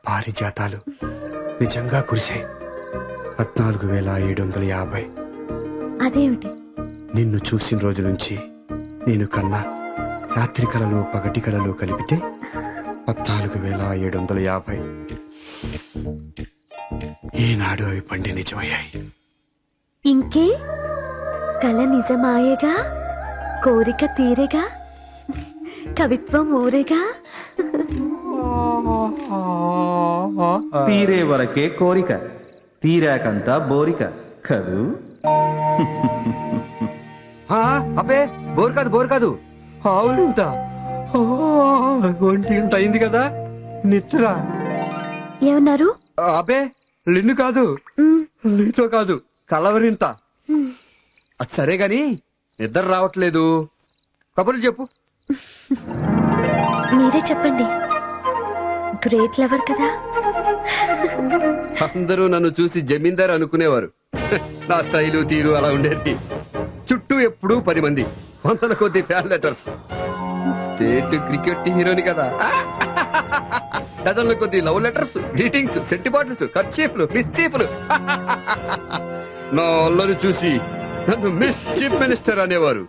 పారిజాతాలు నిజంగా కురిశాయి. 14,750. అదేమిటి? నిన్ను చూసిన రోజు నుంచి నేను కన్నా రాత్రి కలలు పగటి కలలు కలిపితే 14,750. ఏనాడు అవి పండి నిజమయ్యాయి. ఇంకే కల నిజమాయేగా, కోరిక తీరేగా, కవిత్వం ఊరేగా. తీరే వరకే కోరిక, తీరాకంతా బోరిక కదూ. అబ్బే బోర్ కాదు ఆవులింత. ఒంటి గంట అయింది కదా, నిచ్చరా. ఏమన్నారు? అబ్బే లిన్ను కాదు, నీతో కాదు, కలవరింత. అది సరే గాని నిద్ర రావట్లేదు, కబుర్లు చెప్పు. మీరే చెప్పండి, గ్రేట్ లవర్ కదా. అందరూ నన్ను చూసి జమీందార్ అనుకునేవారు. నా స్టైలు తీరు అలా ఉండేది. చుట్టూ ఎప్పుడూ 10 మంది, 100 కొద్ది ఫ్యాన్ లెటర్స్. స్టేట్ క్రికెట్ హీరోని కదా. డజన్ల కొద్ది love letters, greetings, scent bottles, కర్చీఫ్లు, మిస్చీఫ్లు. నా అల్లరి చూసి నన్ను మిస్ చీఫ్ మినిస్టర్ అనేవారు.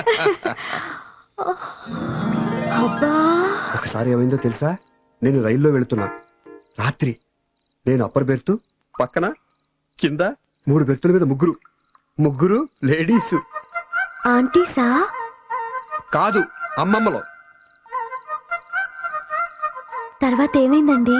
ఒకసారి ఏమైందో తెలుసా? నేను రైల్లో వెళుతున్నా, రాత్రి. నేను అప్పర్ బెర్త్, పక్కన కింద 3 బెర్తుల మీద ముగ్గురు లేడీస్. ఆంటీసా? కాదు, అమ్మమ్మలో. తర్వాత ఏమైందండి?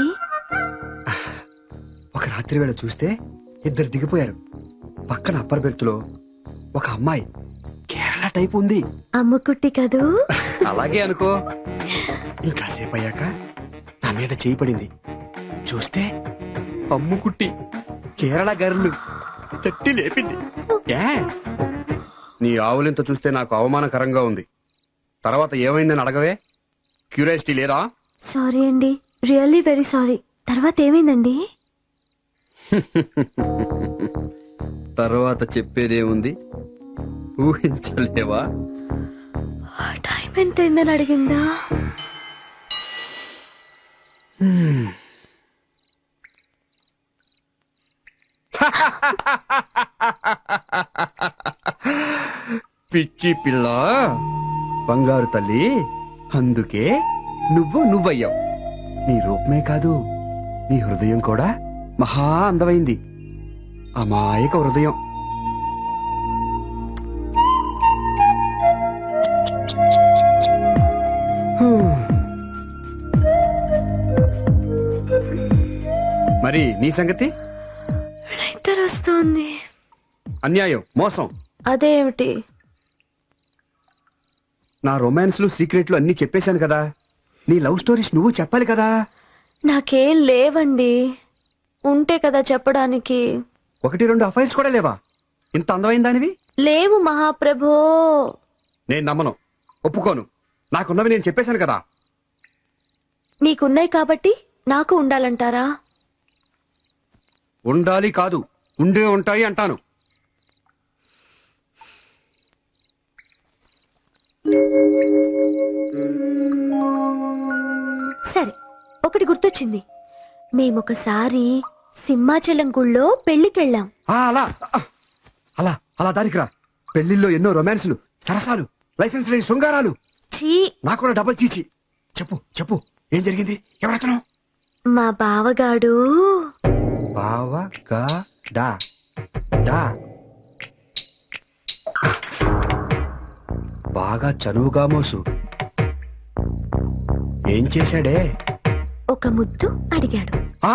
ఒక రాత్రి వేళ చూస్తే 2 దిగిపోయారు. పక్కన అప్పర్ బెర్త్లో ఒక అమ్మాయి కేరళ టైప్ ఉంది. అమ్ముకుట్టి కదూ. అలాగే అనుకో. ఇంకాసేపు అయ్యాక నా మీద చేయి పడింది. చూస్తే అమ్ముకుట్టి కేరళ గర్లు తట్టి లేపింది. నీ ఆవులింత చూస్తే నాకు అవమానకరంగా ఉంది. తర్వాత ఏమైందని అడగవే, క్యూరియాసిటీ లేదా? సారీ అండి, రియల్లీ వెరీ సారీ. తర్వాత ఏమైందండి? తర్వాత చెప్పేదేముంది, ఊహించలేవా? టైం ఎంత అయిందని అడిగిందా? పిచ్చి పిల్ల, బంగారు తల్లి, అందుకే నువ్వయ్యావు. నీ రూపమే కాదు, నీ హృదయం కూడా మహా అందమైంది. అమాయక హృదయం. మరి నీ సంగతి? ఇద్దరు వస్తోంది. అన్యాయం, మోసం. అదేమిటి? నా రొమాన్స్లు, సీక్రెట్లు అన్ని చెప్పేశాను కదా. నీ లవ్ స్టోరీస్ నువ్వు చెప్పాలి కదా. నాకేం లేవండి, ఉంటే కదా చెప్పడానికి. 1-2 అఫైర్స్ కూడా లేవా? ఇంత అందమైన దానివి. లేవు మహాప్రభో. నేను నమ్మను, ఒప్పుకోను. నాకున్నవి నేను చెప్పేశాను కదా. మీకున్నాయి కాబట్టి నాకు ఉండాలంటారా? ఉండాలి కాదు, ఉండే ఉంటాయి అంటాను. సరే, ఒకటి గుర్తొచ్చింది. మేమొకసారి సింహాచలం గుళ్ళో పెళ్లికెళ్ళాం. అలా అలా అలా దానికి రా. పెళ్లిల్లో ఎన్నో రొమాన్స్లు, సరసాలు, లైసెన్స్ లేని శృంగారాలు. ఛీ, నాకు కూడా డబల్ చీచి. చెప్పు ఏం జరిగింది? ఎవరతను? మా బావగాడు. బాగా చనువుగా మోసు. ఏం చేశాడే? ఒక ముద్దు అడిగాడు.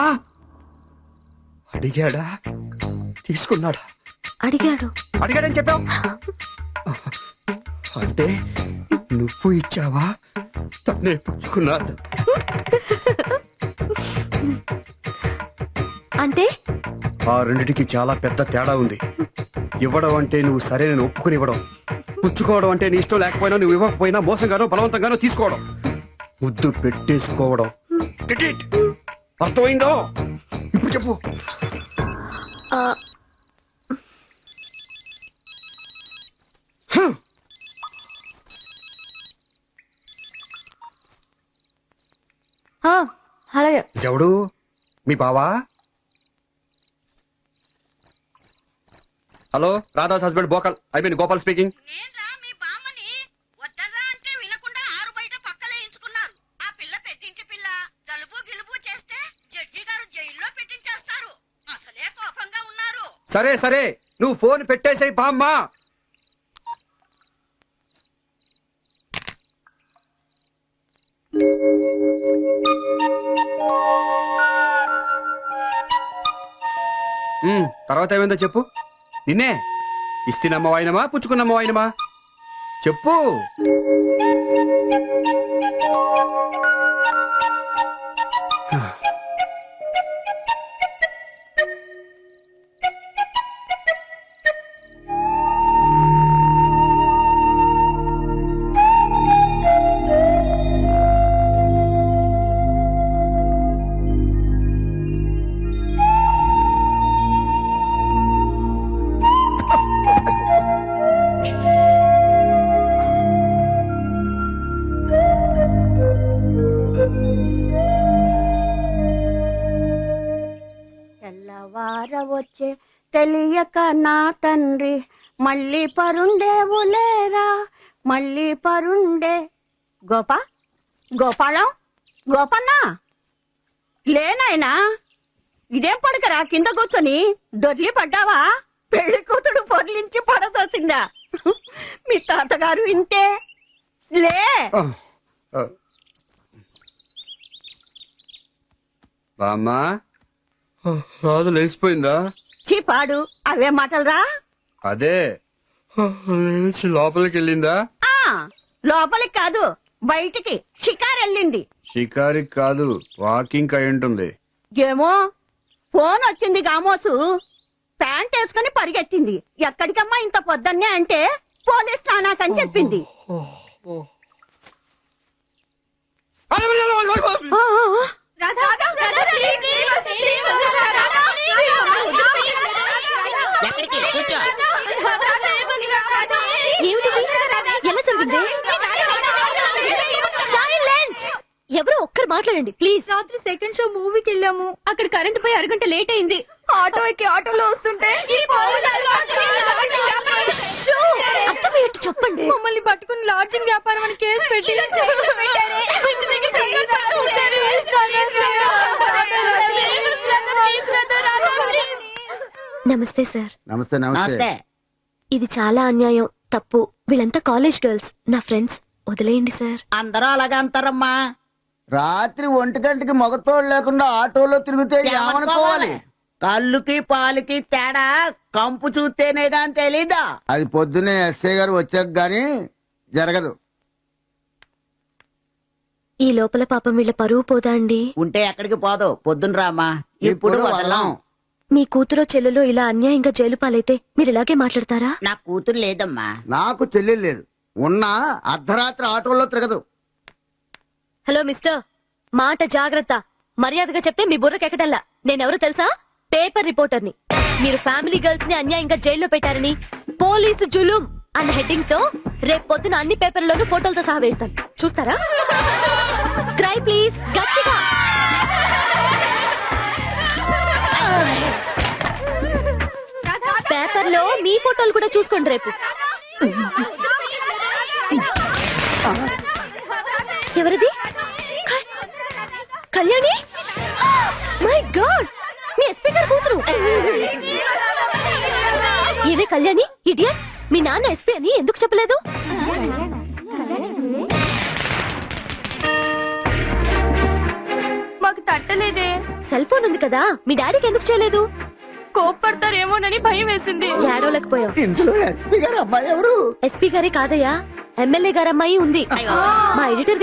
అడిగాడా? తీసుకున్నాడా? అడిగాడని చెప్పావు. అంటే నువ్వు ఇచ్చావా, తన్నే పుచ్చుకున్నాడు? అంటే ఆ రెండిటికి చాలా పెద్ద తేడా ఉంది. ఇవ్వడం అంటే నువ్వు సరే నేను ఒప్పుకుని ఇవ్వడం, పుచ్చుకోవడం అంటే నీ ఇష్టం లేకపోయినా నువ్వు ఇవ్వకపోయినా మోసంగానో బలవంతంగానో తీసుకోవడం, ముద్దు పెట్టేసుకోవడం. అర్థమైందో? ఇప్పుడు చెప్పు. అలాగే. ఎవడు? మీ బావా? హలో, రాధాస్ హస్బెండ్ బోకల్ అయిపోయింది. గోపాల్ స్పీకింగ్. నేన్రా మీ బామ్మని వద్దరా అంటే వినకుండా ఆరు బయట పక్కలేయించుకున్నారు. ఆ పిల్ల పెద్దింటి పిల్ల జలుబు గిలుబు చేస్తే జడ్జి గారు జైల్లో పెట్టించేస్తారు. అసలే కోపంగా ఉన్నారు. సరే సరే, నువ్వు ఫోన్ పెట్టేసేయ్ బామ్మ. తర్వాత ఏమైందో చెప్పు. నిన్నే ఇస్తినమ్మ వాయినమా పుచ్చుకున్నమ్మ వాయినమా చెప్పు. తెల్లవారవచ్చే తెలియక నా తండ్రి మళ్ళీ పరుండేవులేరా మళ్ళీ పరుండే. గోపాలం గోపన్న లేనాయనా, ఇదేం పడకరా కింద కూర్చొని దొర్లి పడ్డావా? పెళ్లి కూతుడు పొర్లించి పడదోసిందా? మీ తాతగారు ఇంతే. లే బామ్మ, రాదు లేచిపోయిందా? చీపాడు అవే మాటలరా. అదే లేచి లోపలికి వెళ్ళిందా? ఆ లోపలికి కాదు బయటికి షికారు వెళ్ళింది. షికారికి కాదు, వాకింగ్ అయి ఉంటుంది. ఏమో ఫోన్ వచ్చింది గామోసు, ప్యాంట్ వేసుకుని పరిగెత్తింది. ఎక్కడికమ్మా ఇంత పొద్దున్నే అంటే పోలీస్ స్నానాకని చెప్పింది. ఎలా జరిగింది? ఎవరో ఒక్కరు మాట్లాడండి ప్లీజ్. రాత్రి సెకండ్ షో మూవీకి వెళ్ళాము. అక్కడ కరెంట్ పోయి అరగంట లేట్ అయింది. ఆటో ఎక్కి ఆటోలో వస్తుంటే అర్థమయ్యేట్టు చెప్పండి. మమ్మల్ని పట్టుకుని లాడ్జింగ్ వ్యాపారం అని కేసు పెట్టి నమస్తే సార్. నమస్తే నమస్తే. ఇది చాలా అన్యాయం, తప్పు. వీళ్ళంతా కాలేజ్ గర్ల్స్, నా ఫ్రెండ్స్. వదిలేయండి సార్. అందరూ అలాగే అంటారమ్మా. రాత్రి 1 గంటకి మగతోడు లేకుండా ఆటోలో తిరిగితే ఏమనుకోవాలి? కళ్ళుకి పాలకి తేడా కంపు చూస్తేనే గాని తెలీదా? అది పొద్దున్నే ఎస్ఐ గారు వచ్చాక గాని జరగదు. ఈ లోపల పాపం వీళ్ళ పరువు పోదా అండి? ఉంటే ఎక్కడికి పోదు, పొద్దున రామా. ఇప్పుడు వదలం. మీ కూతురో చెల్లెలో ఇలా అన్యాయంగా జైలు పాలైతే మీరు ఇలాగే మాట్లాడతారా? నా కూతురు లేదమ్మా. నాకు చెల్లెలు లేదు, ఉన్నా అర్ధరాత్రి ఆటోలో తిరగదు. హలో మిస్టర్, మాట జాగ్రత్త. మర్యాదగా చెప్తే మీ బుర్రకెక్కడల్లా. నేనెవరో తెలుసా? పేపర్ రిపోర్టర్ని. మీరు ఫ్యామిలీ గర్ల్స్ ని అన్యాయంగా జైల్లో పెట్టారని పోలీసు జులుం అన్న హెడ్డింగ్ తో రేపు పొద్దున అన్ని పేపర్లలోనూ ఫోటోలతో సహా వేస్తాను. చూస్తారా? క్రై ప్లీజ్, గట్టిగా. పేపర్లో మీ ఫోటోలు కూడా చూసుకోండి రేపు. ఎవరిది? కళ్యాణి? మై గాడ్, మీ ఎస్పీ గారు కూతురు. ఏవే కళ్యాణి, ఇడియట్, మీ నాన్న ఎస్పీ అని ఎందుకు చెప్పలేదు? మాకు తట్టలేదే. సెల్ ఫోన్ ఉంది కదా, మీ డాడీకి ఎందుకు చేయలేదు? కోప్పడతారేమోనని భయం వేసింది. ఏడవలేకపోయావు. ఇందులో ఎస్పీ గారు అమ్మాయి ఎవరు? ఎస్పీ గారే కాదయ్యా, ఎమ్మెల్యే గారమ్మాయి ఉంది. మా ఎడిటర్